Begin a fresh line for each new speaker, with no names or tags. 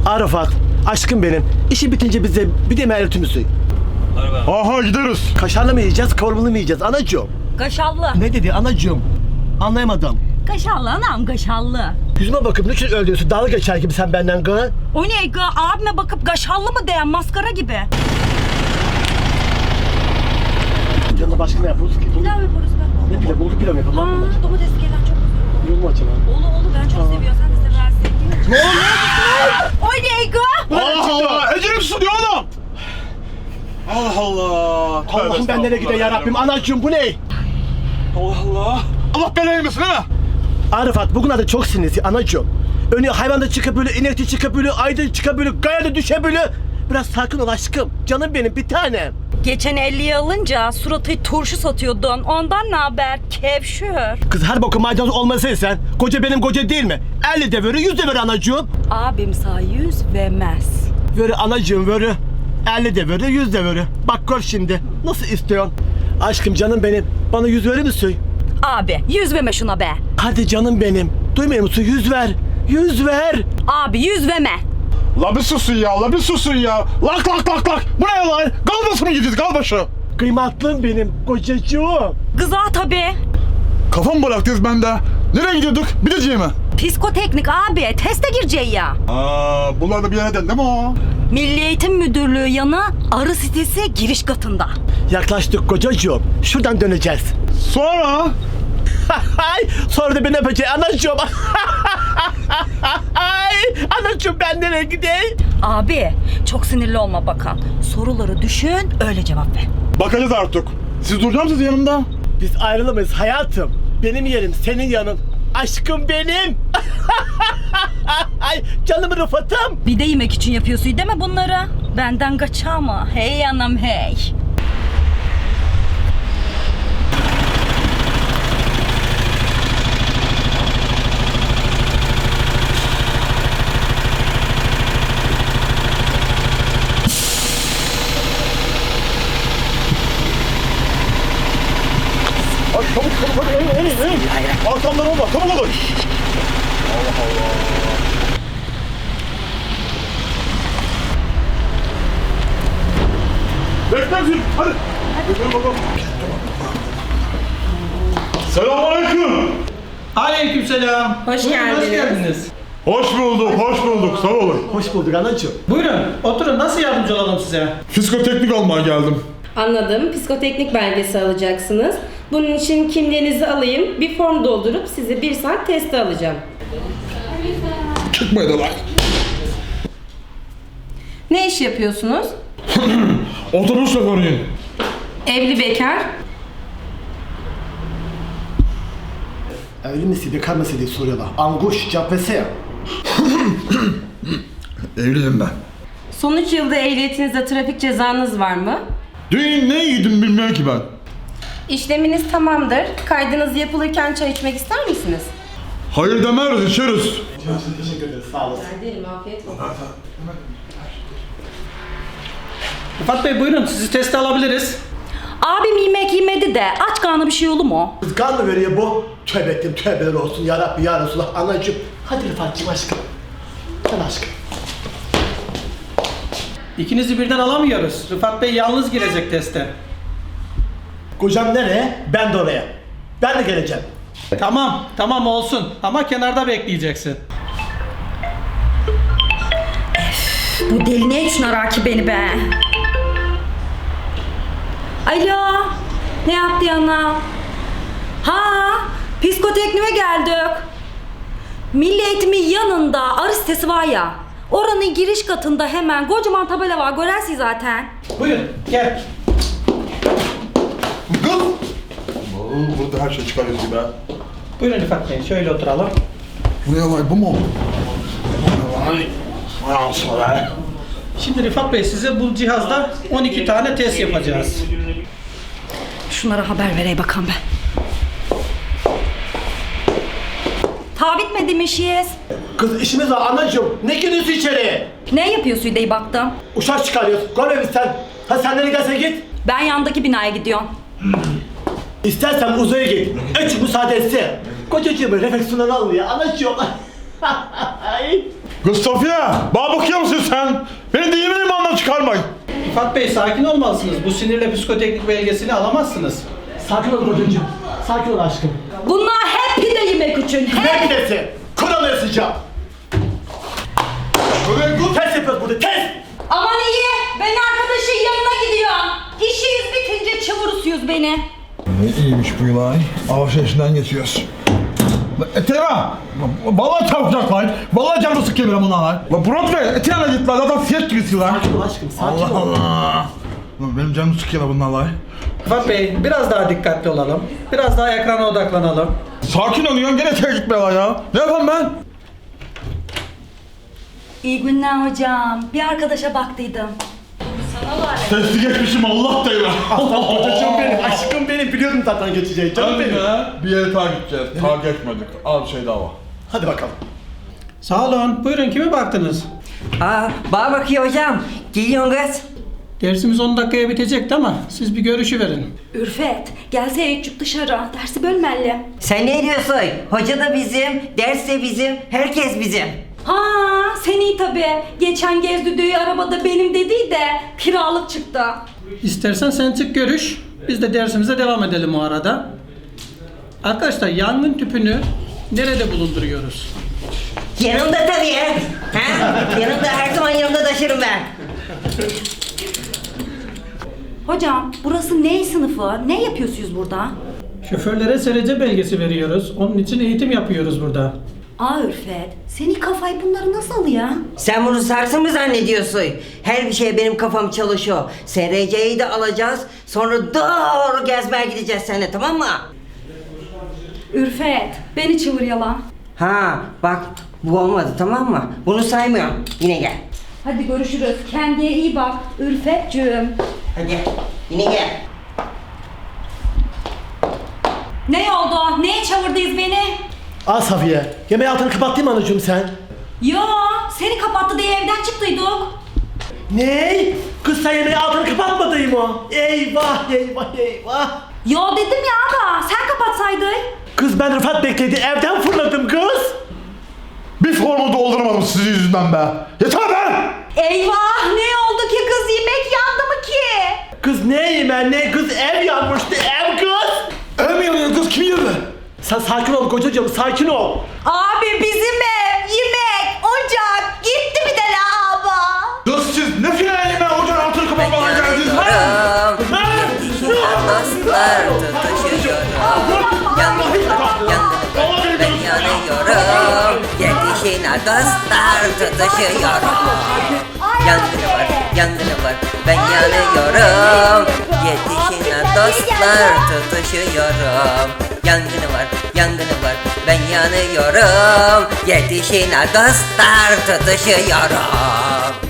Arafat, aşkım benim. İşi bitince bize bir de mertimizi.
Aha gideriz.
Kaşarlı mı yiyeceğiz, kavurmalı mı yiyeceğiz anacığım?
Kaşallı.
Ne dedi anacığım? Anlayamadım.
Kaşallı anam kaşallı.
Yüzüme bakıp niçin öyle diyorsun? Dalga geçer gibi sen benden gı.
O ne gı? Abime bakıp kaşallı mı diyen maskara gibi.
Canına başka ne yapıyoruz ki?
Pilav yaparız be.
Ne pilav? Bulgur pilav mı yapalım?
Ha, domates gelen çok güzel.
Yol mu açalım?
Oğlu ben çok seviyorum. Sen de seversin.
Ne oluyor?
O ne gı?
Allah Allah. Ecelim susuyor oğlum. Allah Allah.
Allah'ım ben nereye gideyim ya Rabbim? Anacığım bu ne?
Allah Allah. Allah belanı vermesin ha.
Arifat bugün adı çok sinirli anacığım. Önü hayvanda çıkabiliyor, inekte çıkabiliyor, ayda çıkabiliyor, kayada düşebiliyor. Biraz sakin ol aşkım. Canım benim bir tanem.
Geçen 50'yi alınca suratı turşu satıyordun. Ondan ne haber? Kevşür.
Kız her boku maydanoz olmasın sen. Koca benim koca değil mi? 50 de verir, 100 de verir anacığım.
Abim sağ 100 vermez.
Verir anacığım verir. 50 de verir, 100 de verir. Bak gör şimdi. Nasıl istiyorsun? Aşkım canım benim. Bana 100 verir misin?
Abi 100 verme şuna be.
Hadi canım benim. Duymuyor musun? 100 ver. 100 ver.
Abi 100 verme.
La bir susun ya, la bir susun ya. Lak lak lak lak. Bu ne lan? Galbaşı mı gideceğiz, galbaşı?
Kıymatlım benim kocacığım.
Kıza tabii.
Kafam bıraktınız bende. Nereye gidiyorduk? Bileceğim mi?
Psikoteknik abi. Teste gireceği ya.
Bunlar da bir yerden değil mi o?
Milli Eğitim Müdürlüğü yanı arı sitesi giriş katında.
Yaklaştık kocacığım. Şuradan döneceğiz.
Sonra?
Sonra da beni öpecek anacığım. Anacığım ben nereye gideyim?
Abi çok sinirli olma bakan. Soruları düşün öyle cevap ver.
Bakacağız artık. Siz duracak mısınız yanımda?
Biz ayrılamayız hayatım. Benim yerim senin yanın. Aşkım benim. Canım Rıfat'ım.
Bir de yemek için yapıyorsun değil mi bunları? Benden kaçar mı? Hey anam hey.
Ay çabuk hadi. Arkamdan olma, çabuk olun. Allah Allah. Bekleyin, hadi. Bekleyin bakalım. Selamünaleyküm.
Aleykümselam.
Hoş
Buyurun,
geldiniz.
Hoş geldiniz.
Hoş bulduk, sağ olun.
Hoş bulduk anacığım.
Buyurun, oturun. Nasıl yardımcı olalım size?
Fiskoteknik almaya geldim.
Anladım. Psikoteknik belgesi alacaksınız. Bunun için kimliğinizi alayım. Bir form doldurup sizi 1 saat teste alacağım.
Çıkmaydı lan.
Ne iş yapıyorsunuz?
Otobüs şoförüyüm.
Evli bekar.
Evli misin, bekar mısın diye soruyorlar. Anguş, cevap versene.
Evliyim ben.
Son 3 yılda ehliyetinizde trafik cezanız var mı?
Dün ne yedim bilmiyorum ki ben.
İşleminiz tamamdır. Kaydınız yapılırken çay içmek ister misiniz?
Hayır demeriz, içeriz.
Teşekkür ederiz, sağ olasın.
Ederim, afiyet olsun.
Rıfat Bey buyurun, sizi teste alabiliriz.
Abim yemek yemedi de aç karnı bir şey olur mu?
Kız kan mı veriyor bu? Tövbe ettim, tövbeler olsun ya Rabbi ya Resulallah. Anacığım, hadi Rıfat'cığım aşkım. Sen aşkım.
İkinizi birden alamıyoruz. Rıfat Bey yalnız girecek teste.
Kocam nereye? Ben de oraya. Ben de geleceğim.
Tamam olsun. Ama kenarda bekleyeceksin.
Bu deli ne için arar ki beni be? Alo, ne yaptı yana? Ha, psikotekniğe geldik. Milli Eğitimin yanında arı sitesi var ya. Oranın giriş katında hemen kocaman tabela var, görersin zaten.
Buyurun, gel.
Kız! Burada her şey çıkarıyoruz gibi ha.
Buyurun Rıfat Bey, şöyle oturalım.
Bu ne olay, bu mu? Vay. Vay ansana be.
Şimdi Rıfat Bey size bu cihazda 12 tane test yapacağız.
Şunlara haber vereyim bakalım ben. Ta bitmedi mi işiniz?
Kız işimiz var anacığım. Ne giriyorsun içeri?
Ne yapıyorsun diye baktım.
Uşak çıkarıyoruz. Görmemiş sen. Ha sen nereye gidersen git.
Ben yandaki binaya gidiyorum.
İstersen uzaya git. Üç müsaade etse. Kocacığımı refleksiyondan alın ya. Anacığım.
Kız Safiye, bana bakıyor musun sen? Beni değil mi imandan çıkarmayın.
Rıfat Bey sakin olmalısınız. Bu sinirle psikoteknik belgesini alamazsınız.
Sakin ol kocacığım. Sakin ol aşkım.
Bunlar hep pide yemek için.
Ne
Hep.
pidesi? Kuralı yazacağım. Test yapıyoruz burada, test!
Aman iyi. Ben arkadaşın yanına gidiyorum. İşiniz bitince çavurusuyuz beni.
Ne iyiymiş bu yılan. Alışverişinden geçiyoruz. Etema! Vallahi çarpacak lan. Vallahi canımı sıkıyor benim bunlar lan. La Burak Bey, Etema git lan. Zaten fiyat gibisi lan.
Sakin ol aşkım, sakin
Allah
ol.
Allah. Lan benim canımı sıkıyor lan bunlar lan.
Rıfat Bey biraz daha dikkatli olalım. Biraz daha ekrana odaklanalım.
Sakin oluyorsun gene tek gitme lan ya. Ne yapayım ben?
İyi günler hocam. Bir arkadaşa baktıydım.
Testi geçmişim Allah da ya.
Kocacığım benim, aşkım benim. Biliyordum zaten geçeceği, canım benim.
Bir yere takip edeceğiz. Takip etmedik. Al bir şey daha var.
Hadi bakalım.
Sağ olun. Buyurun kime baktınız?
Bana bakıyor hocam. Geliyorsun kız.
Dersimiz 10 dakikaya bitecekti ama siz bir görüşü verin.
Ürfet, gelse çık dışarı. Dersi bölmeli.
Sen ne diyorsun? Hoca da bizim, ders de bizim, herkes bizim.
Ha, sen iyi tabii. Geçen gez düdüğü arabada benim dediği de kiralık çıktı.
İstersen sen çık görüş. Biz de dersimize devam edelim o arada. Arkadaşlar yangın tüpünü nerede bulunduruyoruz?
Yanımda tabii. Ha? Yanımda her zaman yanımda taşırım ben.
Hocam, burası ne sınıfı? Ne yapıyorsunuz burada?
Şoförlere SRC belgesi veriyoruz. Onun için eğitim yapıyoruz burada.
Aa Ürfet, senin kafayı bunları nasıl alıyor?
Sen bunu sarsın mı zannediyorsun? Her bir şeye benim kafam çalışıyor. SRC'yi de alacağız. Sonra doğru gezmeye gideceğiz seninle, tamam mı?
Ürfet, beni çevir yalan.
Ha bak bu olmadı, tamam mı? Bunu saymıyorum. Yine gel.
Hadi görüşürüz. Kendine iyi bak Ürfetcüğüm.
Hadi yine gel.
Ne oldu? Neye çağırdınız beni?
Al Safiye. Yemeği altını kapattın mı anacığım sen?
Yo, seni kapattı diye evden çıktıydık.
Ne? Kız sen yemeği altını kapatmadın mı? Eyvah eyvah eyvah.
Yo dedim ya abi, sen kapatsaydın.
Kız ben Rıfat bekledi, evden fırladım kız.
Bir formu dolduramadım sizin yüzünden be. Yeter be!
Eyvah, ne oldu ki kız, yemek yandı mı ki?
Kız ne yemen ne? Kız ev yanmıştı, ev kız.
Ev mi yanıyor kız? Kim yanıyor?
Sen sakin ol kocacığım, sakin ol.
Abi bizim ev, yemek, ocak gitti bir de la abi.
Kız siz ne filan yemeğe ocağın altını kapatmaya geldiniz ha?
Dostlar tutuşuyorum. Ben yanıyorum. Yetişin dostlar tutuşuyorum. Yangını var, ben yanıyorum. Yetişin dostlar tutuşuyorum. Yangını var, ben yanıyorum. Yetişin dostlar tutuşuyorum.